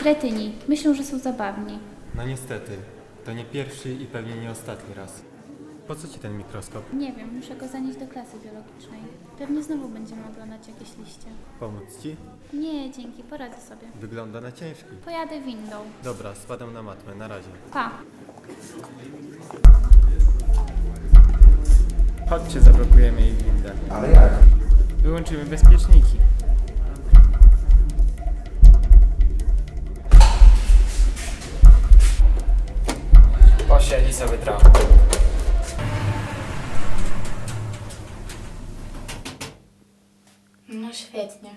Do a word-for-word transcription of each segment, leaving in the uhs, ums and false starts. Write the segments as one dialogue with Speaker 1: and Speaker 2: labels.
Speaker 1: Kretyni. Myślą, że są zabawni.
Speaker 2: No niestety. To nie pierwszy i pewnie nie ostatni raz. Po co ci ten mikroskop?
Speaker 1: Nie wiem, muszę go zanieść do klasy biologicznej. Pewnie znowu będziemy oglądać jakieś liście.
Speaker 2: Pomóc ci?
Speaker 1: Nie, dzięki, poradzę sobie.
Speaker 2: Wygląda na ciężki.
Speaker 1: Pojadę windą.
Speaker 2: Dobra, spadam na matmę. Na razie.
Speaker 1: Pa.
Speaker 3: Chodźcie, zablokujemy jej windę.
Speaker 4: Ale jak?
Speaker 3: Wyłączymy bezpieczniki. Posiedzi sobie trochę.
Speaker 1: No świetnie.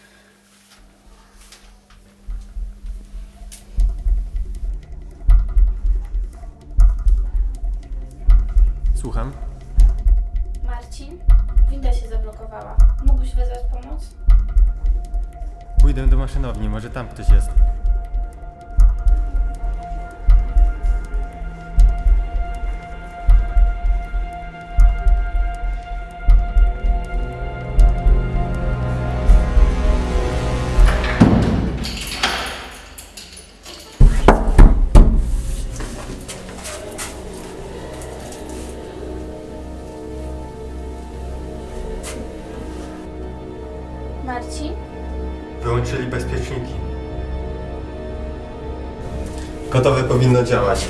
Speaker 2: Słucham?
Speaker 1: Marcin? Winda się zablokowała. Mógłbyś wezwać pomoc?
Speaker 2: Pójdę do maszynowni, może tam ktoś jest.
Speaker 1: Marcin?
Speaker 2: Wyłączyli bezpieczniki. Gotowe powinno działać.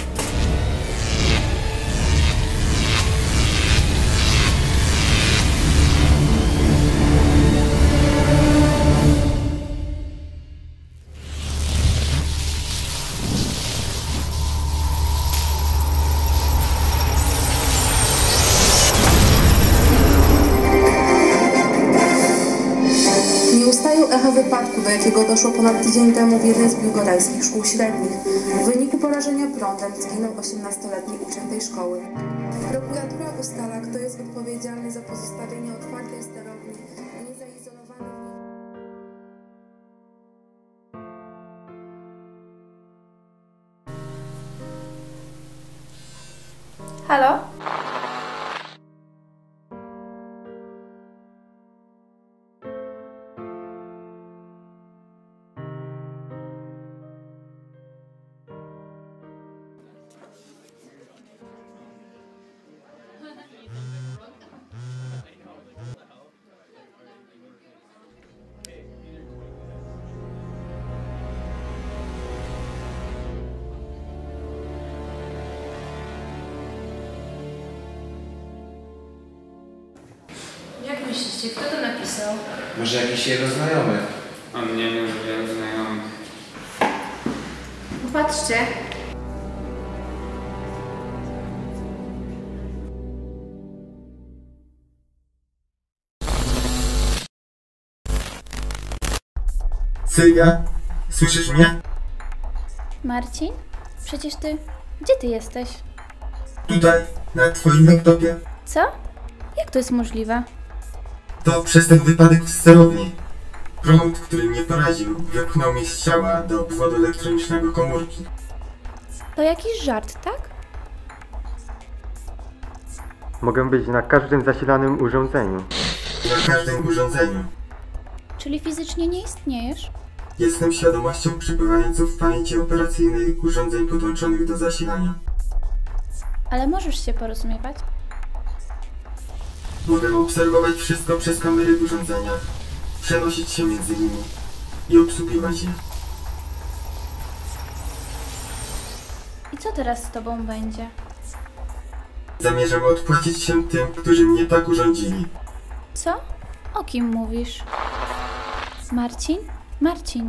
Speaker 5: Nie ustają echa wypadku, do jakiego doszło ponad tydzień temu w jednej z biłgorajskich szkół średnich. W wyniku porażenia prądem zginął osiemnastoletni uczeń tej szkoły. Prokuratura ustala, kto jest odpowiedzialny za pozostawienie otwartej sterowni i niezaizolowanej.
Speaker 1: Halo? Jak myślicie, kto to napisał?
Speaker 4: Może jakiś jego znajomy?
Speaker 3: On nie miał wielu znajomych.
Speaker 1: Popatrzcie.
Speaker 2: Sylwia, słyszysz mnie?
Speaker 1: Marcin? Przecież ty... Gdzie ty jesteś?
Speaker 2: Tutaj, na twoim laptopie.
Speaker 1: Co? Jak to jest możliwe?
Speaker 2: To przez ten wypadek w sterowni. Prąd, który mnie poraził, wypchnął mnie z ciała do obwodu elektronicznego komórki.
Speaker 1: To jakiś żart, tak?
Speaker 2: Mogę być na każdym zasilanym urządzeniu. Na każdym urządzeniu.
Speaker 1: Czyli fizycznie nie istniejesz?
Speaker 2: Jestem świadomością przebywającą w pamięci operacyjnej urządzeń podłączonych do zasilania.
Speaker 1: Ale możesz się porozumiewać?
Speaker 2: Mogę obserwować wszystko przez kamery urządzenia, przenosić się między nimi i obsługiwać je.
Speaker 1: I co teraz z tobą będzie?
Speaker 2: Zamierzam odpłacić się tym, którzy mnie tak urządzili.
Speaker 1: Co? O kim mówisz? Marcin? Marcin.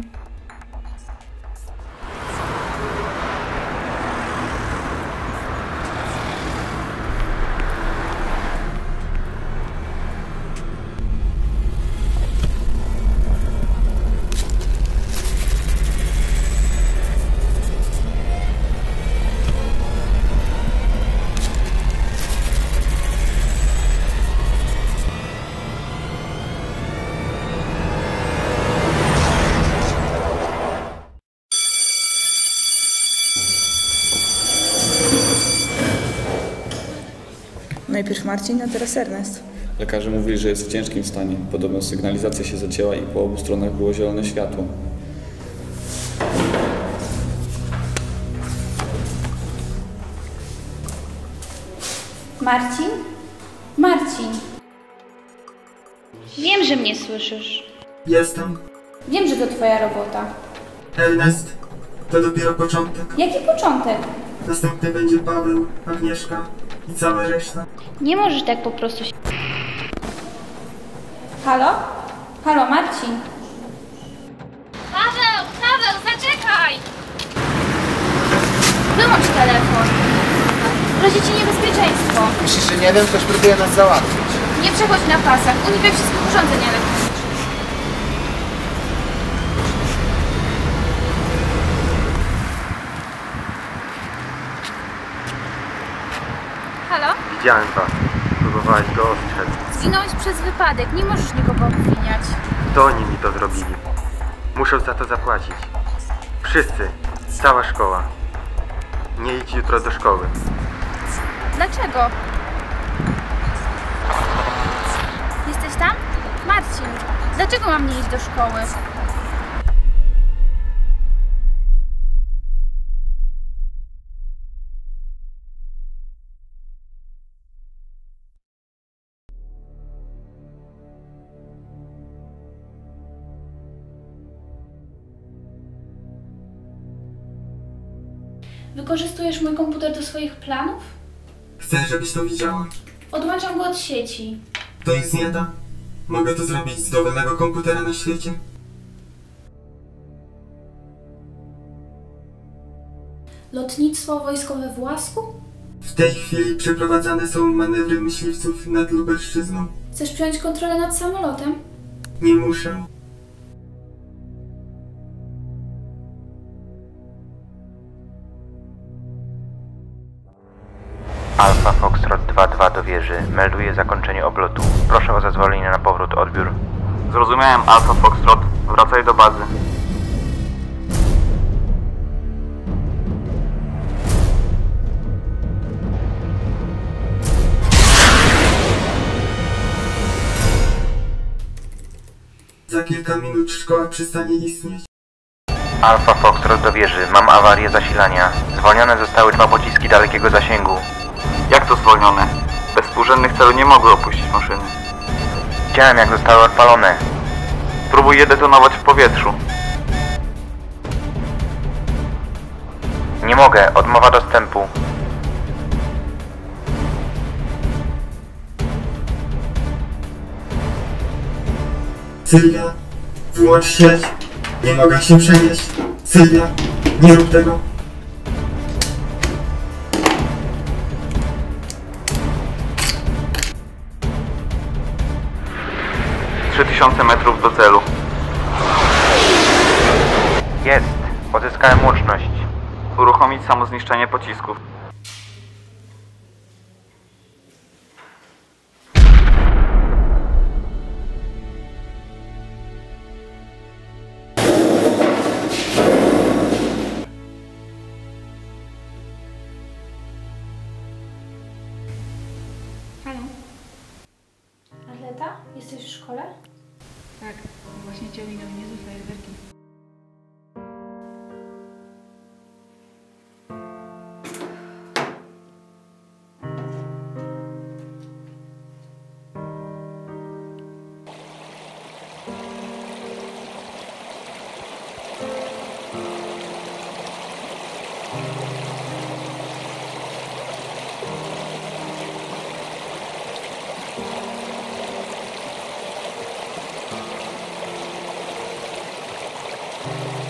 Speaker 6: Najpierw Marcin, a teraz Ernest.
Speaker 7: Lekarze mówili, że jest w ciężkim stanie. Podobno sygnalizacja się zacięła i po obu stronach było zielone światło.
Speaker 1: Marcin? Marcin! Wiem, że mnie słyszysz.
Speaker 2: Jestem.
Speaker 1: Wiem, że to twoja robota.
Speaker 2: Ernest. To dopiero początek.
Speaker 1: Jaki początek?
Speaker 2: Następny będzie Paweł, Agnieszka i cała reszta.
Speaker 1: Nie możesz tak po prostu się... Halo? Halo, Marcin? Paweł! Paweł, zaczekaj! Wyłącz telefon. Grozi ci niebezpieczeństwo.
Speaker 4: Myślisz, że nie wiem, ktoś próbuje nas załatwić.
Speaker 1: Nie przechodź na pasach. Unikaj wszystkich urządzeń elektrycznych. Halo?
Speaker 6: Widziałem was. Próbowałeś go ostrzec.
Speaker 1: Zginąłeś przez wypadek. Nie możesz nikogo obwiniać.
Speaker 6: To oni mi to zrobili. Muszą za to zapłacić. Wszyscy. Cała szkoła. Nie idź jutro do szkoły.
Speaker 1: Dlaczego? Jesteś tam? Marcin, dlaczego mam nie iść do szkoły? Wykorzystujesz mój komputer do swoich planów?
Speaker 2: Chcę, żebyś to widziała.
Speaker 1: Odłączam go od sieci.
Speaker 2: To nic nie da. Mogę to zrobić z dowolnego komputera na świecie.
Speaker 1: Lotnictwo wojskowe w Łasku?
Speaker 2: W tej chwili przeprowadzane są manewry myśliwców nad Lubelszczyzną.
Speaker 1: Chcesz przejąć kontrolę nad samolotem?
Speaker 2: Nie muszę.
Speaker 8: Alfa Foxtrot dwa dwa do wieży. Melduje zakończenie oblotu. Proszę o zezwolenie na powrót, odbiór.
Speaker 9: Zrozumiałem, Alfa Foxtrot. Wracaj do bazy.
Speaker 2: Za kilka minut szkoła przestanie istnieć.
Speaker 8: Alfa Foxtrot do wieży. Mam awarię zasilania. Zwolnione zostały dwa pociski dalekiego zasięgu.
Speaker 9: Jak to zwolnione? Bez współrzędnych celu nie mogły opuścić maszyny.
Speaker 8: Widziałem, jak zostały odpalone.
Speaker 9: Spróbuj je detonować w powietrzu.
Speaker 8: Nie mogę. Odmowa dostępu.
Speaker 2: Sylwia, wyłącz sieć. Nie mogę się przenieść. Sylwia, nie rób tego.
Speaker 9: trzy tysiące metrów do celu.
Speaker 8: Jest. Odzyskałem łączność.
Speaker 9: Uruchomić samozniszczenie pocisków.
Speaker 1: Halo? Arleta? Jesteś w szkole?
Speaker 10: Tak, właśnie cię minęły niezłe fajerwerki.
Speaker 1: Thank you.